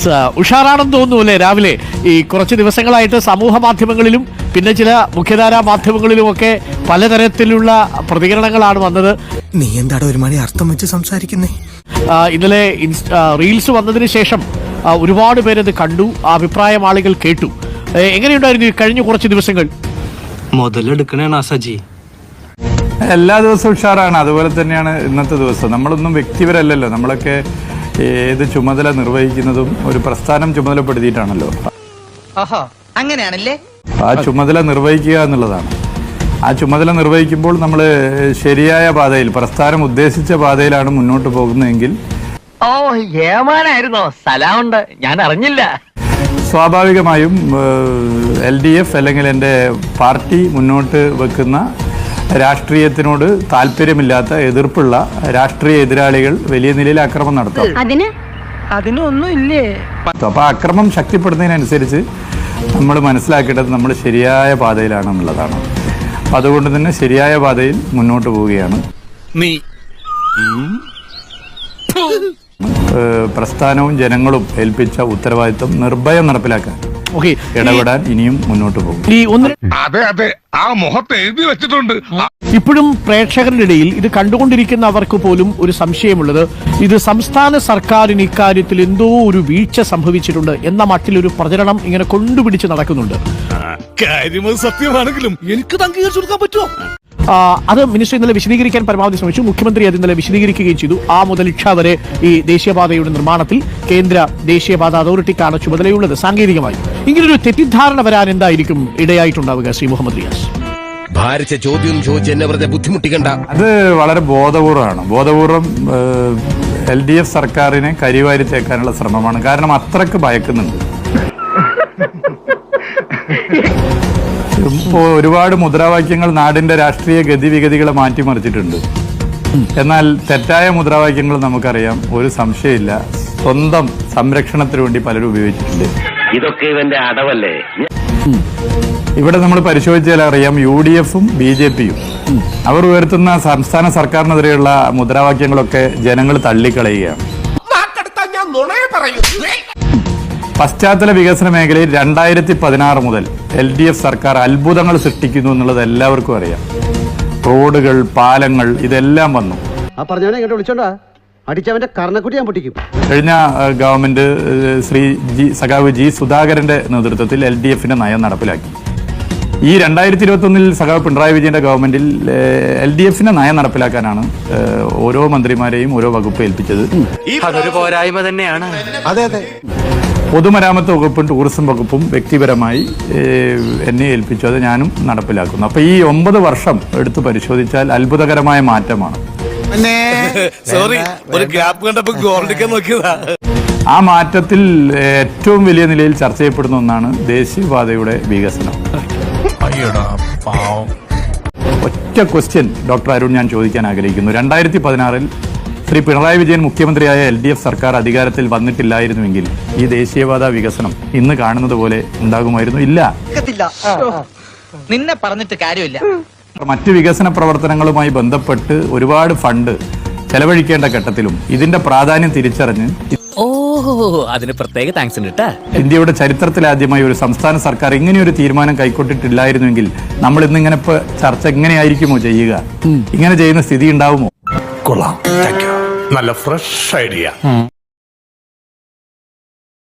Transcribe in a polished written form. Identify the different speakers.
Speaker 1: ഉഷാറാണെന്ന് തോന്നുന്നു അല്ലേ? രാവിലെ ഈ കുറച്ച് ദിവസങ്ങളായിട്ട് സമൂഹ മാധ്യമങ്ങളിലും പിന്നെ ചില മുഖ്യധാരാ മാധ്യമങ്ങളിലുമൊക്കെ പലതരത്തിലുള്ള പ്രതികരണങ്ങളാണ് വന്നത്.
Speaker 2: നീ എന്താണ് ഒരു മണി അർത്ഥം വെച്ച് സംസാരിക്കുന്നേ?
Speaker 1: ഇന്നലെ റീൽസ് വന്നതിന് ശേഷം ഒരുപാട് പേരത് കണ്ടു, അഭിപ്രായം ആളുകൾ കേട്ടു. എങ്ങനെയുണ്ടായിരുന്നു ഈ കഴിഞ്ഞ കുറച്ച് ദിവസങ്ങൾ?
Speaker 3: മുതലെടുക്കണേ സജി.
Speaker 4: എല്ലാ ദിവസവും ഉഷാറാണ്. അതുപോലെ തന്നെയാണ് ഇന്നത്തെ ദിവസം. നമ്മളൊന്നും വ്യക്തിപരല്ലല്ലോ, നമ്മളൊക്കെ ഏത് ചുമതല നിർവഹിക്കുന്നതും ഒരു പ്രസ്ഥാനം ചുമതലപ്പെടുത്തിയിട്ടാണല്ലോ.
Speaker 5: അങ്ങനെയാണല്ലേ?
Speaker 4: ആ ചുമതല നിർവഹിക്കുക എന്നുള്ളതാണ്. ആ ചുമതല നിർവഹിക്കുമ്പോൾ നമ്മൾ ശരിയായ പാതയിൽ, പ്രസ്ഥാനം ഉദ്ദേശിച്ച പാതയിലാണ് മുന്നോട്ട് പോകുന്നതെങ്കിൽ
Speaker 5: ഏമാനായിരുന്നോ? സ്ഥലമുണ്ട്, ഞാൻ അറിഞ്ഞില്ല.
Speaker 4: സ്വാഭാവികമായും LDF അല്ലെങ്കിൽ എൻ്റെ പാർട്ടി മുന്നോട്ട് വെക്കുന്ന രാഷ്ട്രീയത്തിനോട് താല്പര്യമില്ലാത്ത, എതിർപ്പുള്ള രാഷ്ട്രീയ എതിരാളികൾ വലിയ നിലയിൽ അക്രമം നടത്തും.
Speaker 5: അതിനൊന്നും ഇല്ലേ?
Speaker 4: അപ്പൊ അക്രമം ശക്തിപ്പെടുന്നതിനനുസരിച്ച് നമ്മൾ മനസ്സിലാക്കേണ്ടത് നമ്മൾ ശരിയായ പാതയിലാണ് എന്നുള്ളതാണ്. അപ്പൊ അതുകൊണ്ട് തന്നെ ശരിയായ പാതയിൽ മുന്നോട്ട് പോവുകയാണ്. പ്രസ്ഥാനവും ജനങ്ങളും ഏൽപ്പിച്ച ഉത്തരവാദിത്വം നിർഭയം നടപ്പിലാക്കാൻ ഇടപെടാൻ ഇനിയും മുന്നോട്ട് പോകും.
Speaker 1: ഇപ്പോഴും പ്രേക്ഷകരുടെ ഇടയിൽ ഇത് കണ്ടുകൊണ്ടിരിക്കുന്നവർക്ക് പോലും ഒരു സംശയമുള്ളത്, ഇത് സംസ്ഥാന സർക്കാരിന് ഇക്കാര്യത്തിൽ എന്തോ ഒരു വീഴ്ച സംഭവിച്ചിട്ടുണ്ട് എന്ന മട്ടിലൊരു പ്രചരണം ഇങ്ങനെ കൊണ്ടുപിടിച്ച് നടക്കുന്നുണ്ട്.
Speaker 2: സത്യമാണെങ്കിലും എനിക്ക് അംഗീകരിച്ചു കൊടുക്കാൻ പറ്റുമോ?
Speaker 1: അത് മിനിസ്റ്റർ ഇന്നലെ വിശദീകരിക്കാൻ പരമാവധി ശ്രമിച്ചു. മുഖ്യമന്ത്രി അത് ഇന്നലെ വിശദീകരിക്കുകയും ചെയ്തു. ആ മുതൽ ഇക്ഷ വരെ ഈ ദേശീയപാതയുടെ നിർമ്മാണത്തിൽ കേന്ദ്ര ദേശീയപാത അതോറിറ്റിക്കാണ് ചുമതലയുള്ളത്. സാങ്കേതികമായി ഇങ്ങനൊരു തെറ്റിദ്ധാരണ വരാൻ എന്തായിരിക്കും ഇടയായിട്ടുണ്ടാവുക? ശ്രീ മുഹമ്മദ് റിയാസ്,
Speaker 2: ഭാരിച്ച ചോദ്യം ചോദിച്ച് എന്നെ വെറുതെ ബുദ്ധിമുട്ടിക്കണ്ട.
Speaker 4: അത് വളരെ ബോധപൂർവമാണ്. ബോധപൂർവം LDF സർക്കാരിനെ കരിവാരി തേക്കാനുള്ള ശ്രമമാണ്. കാരണം അത്രക്ക് ഭയക്കുന്നുണ്ട്. ഒരുപാട് മുദ്രാവാക്യങ്ങൾ നാടിന്റെ രാഷ്ട്രീയ ഗതിവിഗതികളെ മാറ്റിമറിച്ചിട്ടുണ്ട്. എന്നാൽ തെറ്റായ മുദ്രാവാക്യങ്ങൾ നമുക്കറിയാം, ഒരു സംശയമില്ല, സ്വന്തം സംരക്ഷണത്തിന് വേണ്ടി പലരും ഉപയോഗിച്ചിട്ടുണ്ട്.
Speaker 6: ഇതൊക്കെ ഇവന്റെ അടവല്ലേ?
Speaker 4: ഇവിടെ നമ്മൾ പരിശോധിച്ചാൽ അറിയാം, UDF-ഉം BJP-യും അവർ ഉയർത്തുന്ന സംസ്ഥാന സർക്കാരിനെതിരെയുള്ള മുദ്രാവാക്യങ്ങളൊക്കെ ജനങ്ങൾ തള്ളിക്കളയുകയാണ്. പശ്ചാത്തല വികസന മേഖലയിൽ 2016 മുതൽ LDF സർക്കാർ അത്ഭുതങ്ങൾ സൃഷ്ടിക്കുന്നു എന്നുള്ളത് എല്ലാവർക്കും അറിയാം. റോഡുകൾ, പാലങ്ങൾ, ഇതെല്ലാം വന്നു. കഴിഞ്ഞ ഗവൺമെന്റ് സഖാവ് G സുധാകരന്റെ നേതൃത്വത്തിൽ LDF-ന്റെ നയം നടപ്പിലാക്കി. ഈ 2021 സഖാവ് പിണറായി വിജയന്റെ ഗവൺമെന്റിൽ LDF-ന്റെ നയം നടപ്പിലാക്കാനാണ് ഓരോ മന്ത്രിമാരെയും ഓരോ വകുപ്പ് ഏൽപ്പിച്ചത്.
Speaker 3: അതൊരു പോരായ്മ തന്നെയാണ്.
Speaker 2: അതെ അതെ.
Speaker 4: പൊതുമരാമത്ത് വകുപ്പും ടൂറിസം വകുപ്പും വ്യക്തിപരമായി എന്നെ ഏൽപ്പിച്ചു. അത് ഞാനും നടപ്പിലാക്കുന്നു. അപ്പൊ ഈ 9 വർഷം എടുത്ത് പരിശോധിച്ചാൽ അത്ഭുതകരമായ മാറ്റമാണ്. ആ മാറ്റത്തിൽ ഏറ്റവും വലിയ നിലയിൽ ചർച്ച ചെയ്യപ്പെടുന്ന ഒന്നാണ് ദേശീയപാതയുടെ വികസനം. ഒറ്റ ക്വസ്റ്റ്യൻ ഡോക്ടർ അരുൺ ഞാൻ ചോദിക്കാൻ ആഗ്രഹിക്കുന്നു. 2016 ശ്രീ പിണറായി വിജയൻ മുഖ്യമന്ത്രിയായ LDF സർക്കാർ അധികാരത്തിൽ വന്നിട്ടില്ലായിരുന്നുവെങ്കിൽ ഈ ദേശീയപാത വികസനം ഇന്ന് കാണുന്നത് പോലെ ഉണ്ടാകുമായിരുന്നു? ഇല്ല.
Speaker 5: നിന്നെ പറഞ്ഞിട്ട് കാര്യമില്ല.
Speaker 4: മറ്റ് വികസന പ്രവർത്തനങ്ങളുമായി ബന്ധപ്പെട്ട് ഒരുപാട് ഫണ്ട് ചെലവഴിക്കേണ്ട ഘട്ടത്തിലും ഇതിന്റെ പ്രാധാന്യം തിരിച്ചറിഞ്ഞ്
Speaker 3: അതിന് പ്രത്യേക താങ്ക്സ് ഉണ്ട്.
Speaker 4: ഇന്ത്യയുടെ ചരിത്രത്തിലാദ്യമായി ഒരു സംസ്ഥാന സർക്കാർ ഇങ്ങനെയൊരു തീരുമാനം കൈക്കൊണ്ടിട്ടില്ലായിരുന്നുവെങ്കിൽ നമ്മൾ ഇന്നിങ്ങനെ ചർച്ച എങ്ങനെയായിരിക്കുമോ ചെയ്യുക? ഇങ്ങനെ ചെയ്യുന്ന സ്ഥിതി ഉണ്ടാവുമോ?
Speaker 2: കൊള്ളാം, നല്ല ഫ്രഷ് ഐഡിയ.